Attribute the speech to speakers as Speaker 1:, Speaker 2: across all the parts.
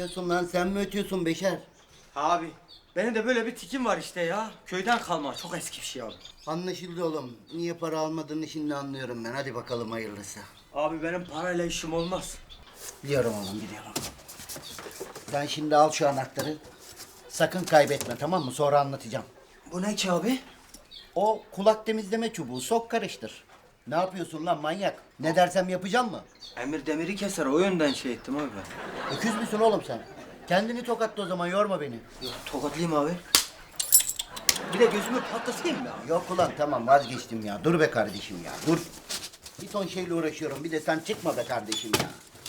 Speaker 1: ötüyorsun lan? Sen mi ötüyorsun Beşer?
Speaker 2: Abi benim de böyle bir tikim var işte ya. Köyden kalma çok eski bir şey abi.
Speaker 1: Anlaşıldı oğlum. Niye para almadığını şimdi anlıyorum ben. Hadi bakalım hayırlısı.
Speaker 2: Abi benim parayla işim olmaz.
Speaker 1: Biliyorum oğlum, biliyorum. Sen şimdi al şu anahtarı. Sakın kaybetme, tamam mı? Sonra anlatacağım.
Speaker 2: Bu ne ki abi?
Speaker 1: O kulak temizleme çubuğu. Sok karıştır. Ne yapıyorsun lan manyak? Ne dersem yapacağım mı?
Speaker 2: Emir demiri keser o yönden şey ettim abi ben.
Speaker 1: Öküz müsün oğlum sen? Kendini tokatla o zaman, yorma beni.
Speaker 2: Tokatlayayım abi. Bir de gözümü patlatayım mı abi?
Speaker 1: Yok ulan, tamam vazgeçtim ya. Dur be kardeşim ya, dur. Bir ton şeyle uğraşıyorum. Bir de sen çıkma be kardeşim ya.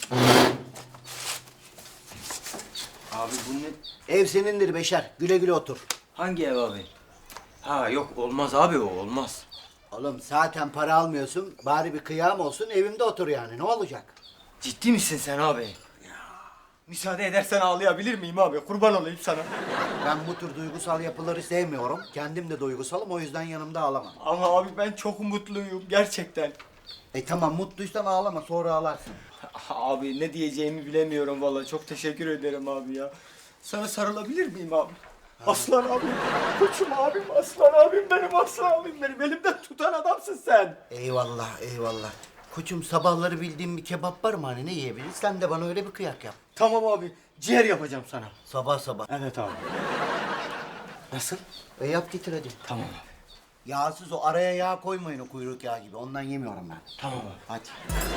Speaker 2: Abi bu ne?
Speaker 1: Ev senindir Beşer. Güle güle otur.
Speaker 2: Hangi ev abi? Ha yok olmaz abi o olmaz.
Speaker 1: Oğlum zaten para almıyorsun. Bari bir kıyam olsun, evimde otur yani. Ne olacak?
Speaker 2: Ciddi misin sen abi? Müsaade edersen ağlayabilir miyim abi? Kurban olayım sana.
Speaker 1: Ben bu tür duygusal yapıları sevmiyorum. Kendim de duygusalım, o yüzden yanımda ağlamam.
Speaker 2: Ama abi ben çok mutluyum gerçekten.
Speaker 1: Tamam, mutluysan ağlama, sonra ağlarsın.
Speaker 2: Abi ne diyeceğimi bilemiyorum vallahi. Çok teşekkür ederim abi ya. Sana sarılabilir miyim abi? Aslan abim, koçum abim, aslan abim benim, aslan abim benim. Elimden tutan adamsın sen.
Speaker 1: Eyvallah, eyvallah. Koçum, sabahları bildiğim bir kebap var mı hani, ne yiyebiliriz? Sen de bana öyle bir kıyak yap.
Speaker 2: Tamam abi, ciğer yapacağım sana.
Speaker 1: Sabah sabah.
Speaker 2: Evet abi. Nasıl?
Speaker 1: Yap getir hadi.
Speaker 2: Tamam abi.
Speaker 1: Yağsız o, araya yağ koymayın o kuyruk yağı gibi. Ondan yemiyorum ben.
Speaker 2: Tamam abi.
Speaker 1: Hadi.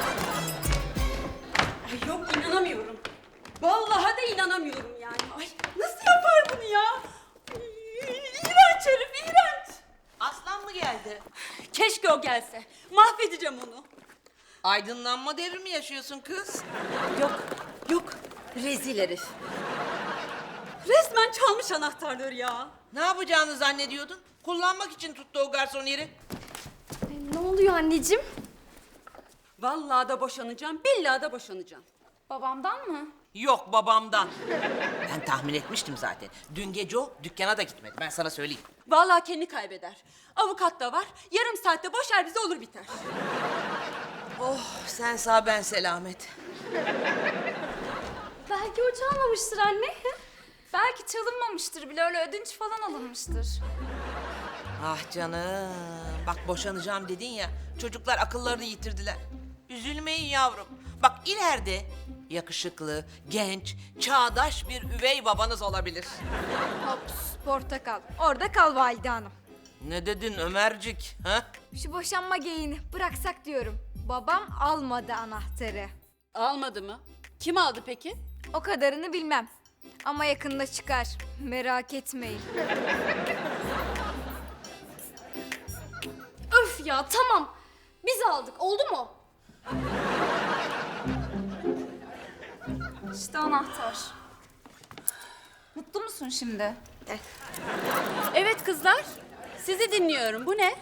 Speaker 3: Ay yok, inanamıyorum. Vallahi de inanamıyorum yani. Ay nasıl yapar bunu ya? İğrenç herif, iğrenç.
Speaker 4: Aslan mı geldi?
Speaker 3: Keşke o gelse. Mahvedeceğim onu.
Speaker 4: Aydınlanma devrimi yaşıyorsun kız.
Speaker 3: Yok, yok. Rezil herif. Resmen çalmış anahtarları ya.
Speaker 4: Ne yapacağını zannediyordun? Kullanmak için tuttu o garson yeri.
Speaker 5: Ne oluyor anneciğim?
Speaker 3: Vallahi da boşanacağım, billahi da boşanacağım.
Speaker 5: Babamdan mı?
Speaker 4: Yok babamdan. Ben tahmin etmiştim zaten. Dün gece o dükkana da gitmedi. Ben sana söyleyeyim.
Speaker 3: Vallahi kendi kaybeder. Avukat da var. Yarım saatte boşar bizi, olur biter.
Speaker 4: Oh sen sağ ben selamet.
Speaker 5: Belki o çalmamıştır anne. Belki çalınmamıştır bile, öyle ödünç falan alınmıştır.
Speaker 4: Ah canım. Bak boşanacağım dedin ya. Çocuklar akıllarını yitirdiler. Üzülmeyin yavrum. Bak ileride yakışıklı, genç, çağdaş bir üvey babanız olabilir.
Speaker 5: Hops, portakal. Orada kal valide hanım.
Speaker 4: Ne dedin Ömercik? Ha?
Speaker 5: Şu boşanma geyiğini bıraksak diyorum. Babam almadı anahtarı.
Speaker 3: Almadı mı? Kim aldı peki?
Speaker 5: O kadarını bilmem. Ama yakında çıkar. Merak etmeyin. Öf ya, tamam. Biz aldık, oldu mu? İşte anahtar. Mutlu musun şimdi?
Speaker 3: Evet kızlar, sizi dinliyorum. Bu ne?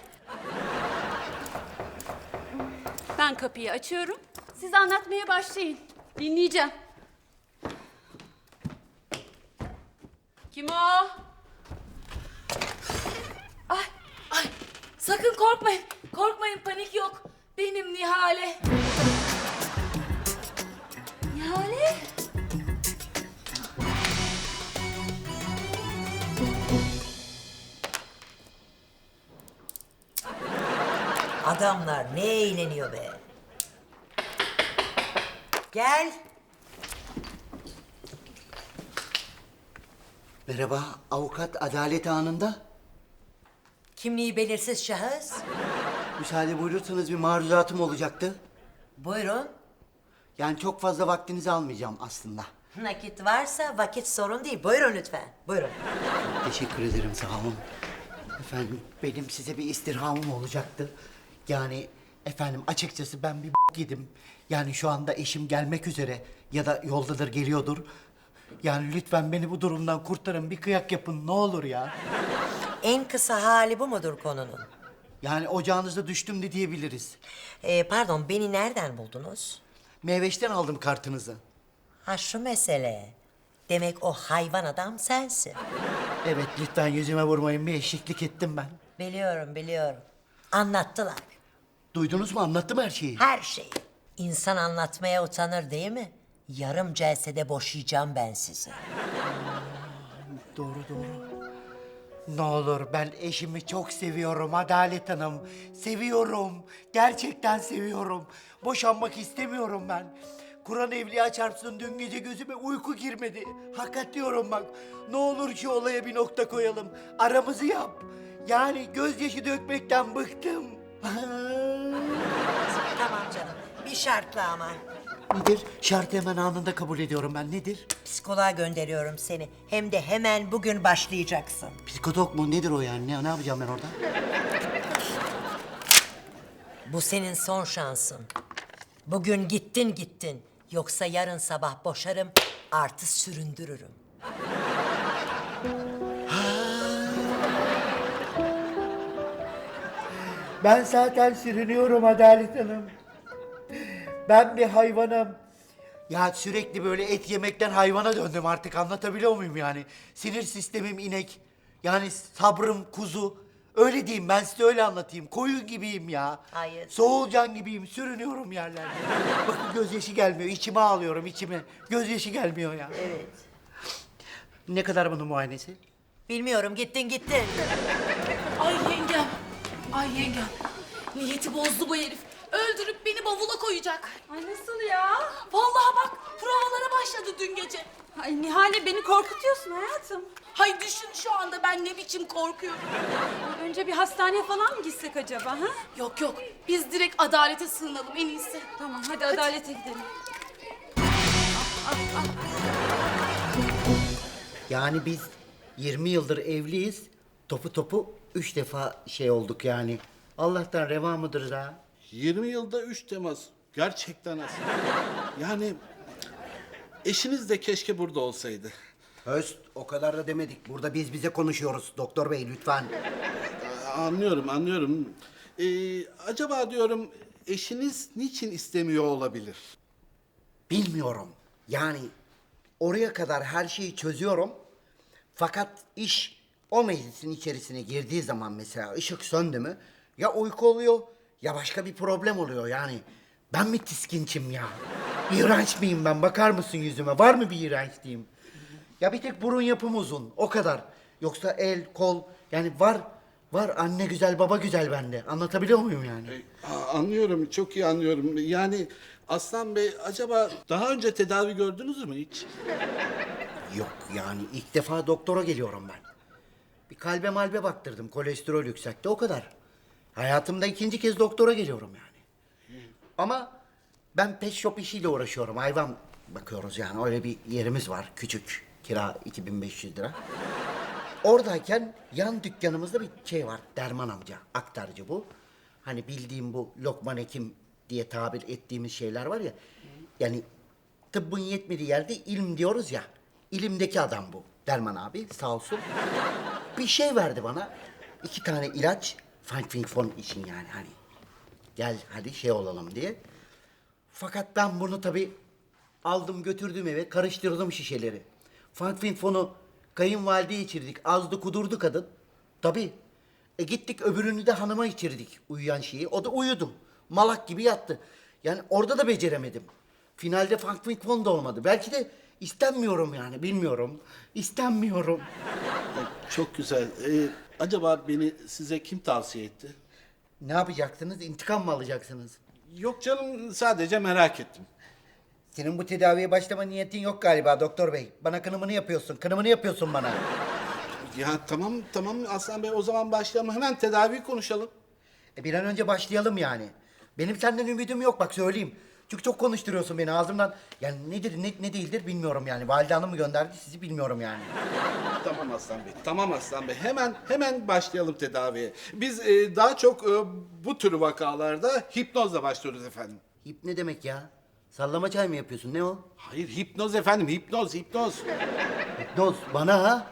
Speaker 3: Ben kapıyı açıyorum. Siz anlatmaya başlayın. Dinleyeceğim. Kim o?
Speaker 6: Ay sakın korkmayın. Korkmayın, panik yok. Benim Nihale.
Speaker 5: Nihale?
Speaker 7: Adamlar ne eğleniyor be. Gel.
Speaker 1: Merhaba, avukat adalet anında.
Speaker 7: Kimliği belirsiz şahıs.
Speaker 1: Müsaade buyurursanız bir maruzatım olacaktı.
Speaker 7: Buyurun.
Speaker 1: Yani çok fazla vaktinizi almayacağım aslında.
Speaker 7: Nakit varsa vakit sorun değil. Buyurun lütfen. Buyurun.
Speaker 1: Teşekkür ederim, sağ olun. Efendim, benim size bir istirhamım olacaktı. Yani efendim, açıkçası ben bir yedim. Yani şu anda eşim gelmek üzere ya da yoldadır, geliyordur. Yani lütfen beni bu durumdan kurtarın, bir kıyak yapın ne olur ya.
Speaker 7: En kısa hali bu mudur konunun?
Speaker 1: Yani ocağınıza düştüm de diyebiliriz.
Speaker 7: Pardon, beni nereden buldunuz?
Speaker 1: Meyveş'ten aldım kartınızı.
Speaker 7: Ha şu mesele. Demek o hayvan adam sensin.
Speaker 1: Evet, lütfen yüzüme vurmayın, bir eşeklik ettim ben.
Speaker 7: Biliyorum, biliyorum. Anlattılar.
Speaker 1: Duydunuz mu, anlattım her şeyi.
Speaker 7: Her şeyi. İnsan anlatmaya utanır değil mi? Yarım celsede boşayacağım ben sizi.
Speaker 1: Doğru. Ne olur, ben eşimi çok seviyorum Adalet Hanım. Seviyorum. Gerçekten seviyorum. Boşanmak istemiyorum ben. Kur'an evliya çarpsın, dün gece gözüme uyku girmedi. Hakikat diyorum bak. Ne olur şu olaya bir nokta koyalım. Aramızı yap. Yani gözyaşı dökmekten bıktım.
Speaker 7: Tamam canım. Bir şartla ama.
Speaker 1: Nedir? Şartı hemen anında kabul ediyorum ben. Nedir?
Speaker 7: Psikoloğa gönderiyorum seni. Hem de hemen bugün başlayacaksın.
Speaker 1: Psikotok mu? Nedir o yani? Ne yapacağım ben orada?
Speaker 7: Bu senin son şansın. Bugün gittin. Yoksa yarın sabah boşarım, artı süründürürüm.
Speaker 1: Ben zaten sürünüyorum Adalet Hanım. Ben bir hayvanım. Ya sürekli böyle et yemekten hayvana döndüm artık, anlatabiliyor muyum yani? Sinir sistemim inek. Yani sabrım kuzu. Öyle diyeyim, ben size öyle anlatayım. Koyun gibiyim ya.
Speaker 7: Hayır.
Speaker 1: Soğulcan gibiyim, sürünüyorum yerlerde. Bakın gözyaşı gelmiyor, içime ağlıyorum içime. Gözyaşı gelmiyor ya.
Speaker 7: Evet.
Speaker 1: Ne kadar bunun muayenesi?
Speaker 7: Bilmiyorum, gittin.
Speaker 6: Ay yengem. Niyeti bozdu bu herif. Öldürüp beni bavula koyacak.
Speaker 3: Ay nasıl ya?
Speaker 6: Vallahi bak provalara başladı dün gece.
Speaker 3: Ay Nihale, beni korkutuyorsun hayatım.
Speaker 6: Hay düşün şu anda ben ne biçim korkuyorum.
Speaker 3: Önce bir hastaneye falan mı gitsek acaba ha?
Speaker 6: Yok biz direkt adalete sığınalım en iyisi.
Speaker 3: Tamam hadi adalete gidelim.
Speaker 1: Yani biz 20 yıldır evliyiz. Topu 3 defa şey olduk yani. Allah'tan reva mıdır da?
Speaker 8: 20 yılda 3 temas. Gerçekten az. Yani eşiniz de keşke burada olsaydı.
Speaker 1: Höst, o kadar da demedik. Burada biz bize konuşuyoruz. Doktor bey lütfen.
Speaker 8: Anlıyorum. Acaba diyorum eşiniz niçin istemiyor olabilir?
Speaker 1: Bilmiyorum. Yani oraya kadar her şeyi çözüyorum. Fakat iş o meclisin içerisine girdiği zaman mesela ışık söndü mü ya uyku oluyor ya başka bir problem oluyor yani. Ben mi tiskinçim ya? İğrenç miyim ben? Bakar mısın yüzüme? Var mı bir iğrençliğim? Ya bir tek burun yapım uzun. O kadar. Yoksa el, kol yani var anne güzel baba güzel bende. Anlatabiliyor muyum yani?
Speaker 8: Anlıyorum, çok iyi anlıyorum. Yani Aslan Bey acaba daha önce tedavi gördünüz mü hiç?
Speaker 1: Yok yani ilk defa doktora geliyorum ben. Bir kalbe malbe baktırdım. Kolesterol yüksekti o kadar. Hayatımda ikinci kez doktora geliyorum yani. Ama ben pet shop işiyle uğraşıyorum. Hayvan bakıyoruz yani. Öyle bir yerimiz var. Küçük. Kira 2500 lira. Oradayken yan dükkanımızda bir şey var. Derman amca. Aktarcı bu. Hani bildiğim bu Lokman Hekim diye tabir ettiğimiz şeyler var ya. Yani tıbbın yetmediği yerde ilim diyoruz ya. İlimdeki adam bu. Derman abi sağ olsun. Bir şey verdi bana. 2 tane ilaç. Fon için yani hani. Gel hadi şey olalım diye. Fakat ben bunu tabii aldım götürdüm eve karıştırdım şişeleri. Fon'u kayınvalideye içirdik. Azdı kudurdu kadın. Tabii. Gittik öbürünü de hanıma içirdik uyuyan şeyi. O da uyudu. Malak gibi yattı. Yani orada da beceremedim. Finalde Fon da olmadı. Belki de istenmiyorum yani bilmiyorum. İstenmiyorum.
Speaker 8: Çok güzel. Acaba beni size kim tavsiye etti?
Speaker 1: Ne yapacaksınız? İntikam mı alacaksınız?
Speaker 8: Yok canım, sadece merak ettim.
Speaker 1: Senin bu tedaviye başlama niyetin yok galiba doktor bey. Bana kınımını yapıyorsun. Kınımını yapıyorsun bana.
Speaker 8: Ya tamam Aslan Bey, o zaman başlayalım. Hemen tedavi konuşalım.
Speaker 1: Bir an önce başlayalım yani. Benim senden ümidim yok bak söyleyeyim. Çünkü çok konuşturuyorsun beni ağzımdan. Yani nedir ne değildir bilmiyorum yani. Valide Hanım mı gönderdi sizi bilmiyorum yani.
Speaker 8: Tamam Aslan Bey. Hemen başlayalım tedaviye. Biz daha çok bu tür vakalarda hipnozla başlıyoruz efendim.
Speaker 1: Hip ne demek ya? Sallama çay mı yapıyorsun ne o?
Speaker 8: Hayır, hipnoz efendim, hipnoz.
Speaker 1: Hipnoz bana ha?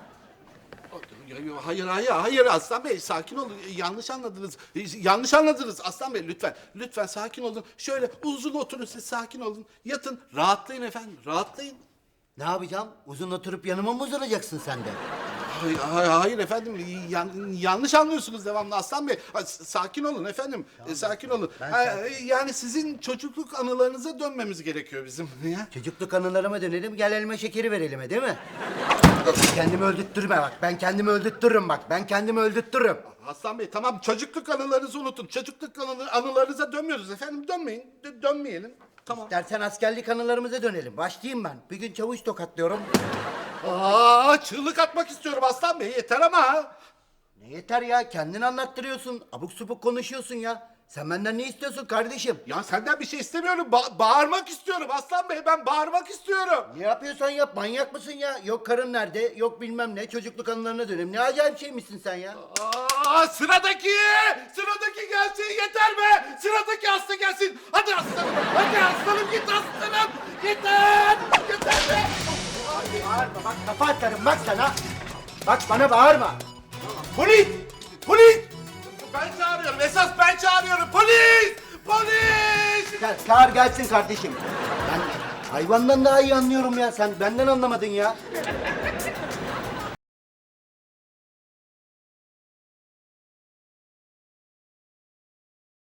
Speaker 8: Hayır Aslan Bey, sakin olun. Yanlış anladınız Aslan Bey, lütfen sakin olun. Şöyle uzun oturun, siz sakin olun. Yatın, rahatlayın efendim, rahatlayın.
Speaker 1: Ne yapacağım? Uzun oturup yanıma mı uzanacaksın sen de?
Speaker 8: Hayır efendim, yanlış anlıyorsunuz devamlı Aslan Bey. Sakin olun efendim, sakin olun. Yani sizin çocukluk anılarınıza dönmemiz gerekiyor bizim. Ya.
Speaker 1: Çocukluk anılarıma dönelim, gel elma şekeri verelim, değil mi? Kendimi öldürtme bak, ben kendimi öldürtürüm bak, ben kendimi öldürtürüm.
Speaker 8: Aslan Bey tamam, çocukluk anılarınızı unutun. Çocukluk anılarınıza dönmüyoruz efendim, dönmeyin, dönmeyelim. Tamam.
Speaker 1: İstersen askerlik anılarımıza dönelim. Başlayayım ben. Bir gün çavuş tokatlıyorum.
Speaker 8: Çığlık atmak istiyorum Aslan Bey, yeter ama.
Speaker 1: Ne yeter ya, kendin anlattırıyorsun. Abuk subuk konuşuyorsun ya. Sen benden ne istiyorsun kardeşim?
Speaker 8: Ya senden bir şey istemiyorum, bağırmak istiyorum Aslan Bey, ben bağırmak istiyorum.
Speaker 1: Ne yapıyorsan yap, manyak mısın ya? Yok karın nerede, yok bilmem ne, çocukluk anılarına dönelim. Ne acayip şeymişsin sen ya.
Speaker 8: Sıradaki gelsin, yeter be. Sıradaki hasta gelsin. Hadi aslanım, hadi aslanım, git aslanım. Yeter be.
Speaker 1: Bağırma bak, kafa atarım bak sana. Bak bana bağırma. Polis!
Speaker 8: Ben çağırıyorum, esas ben çağırıyorum. Polis!
Speaker 1: Çağır gelsin kardeşim. Ben hayvandan daha iyi anlıyorum ya, sen benden anlamadın ya.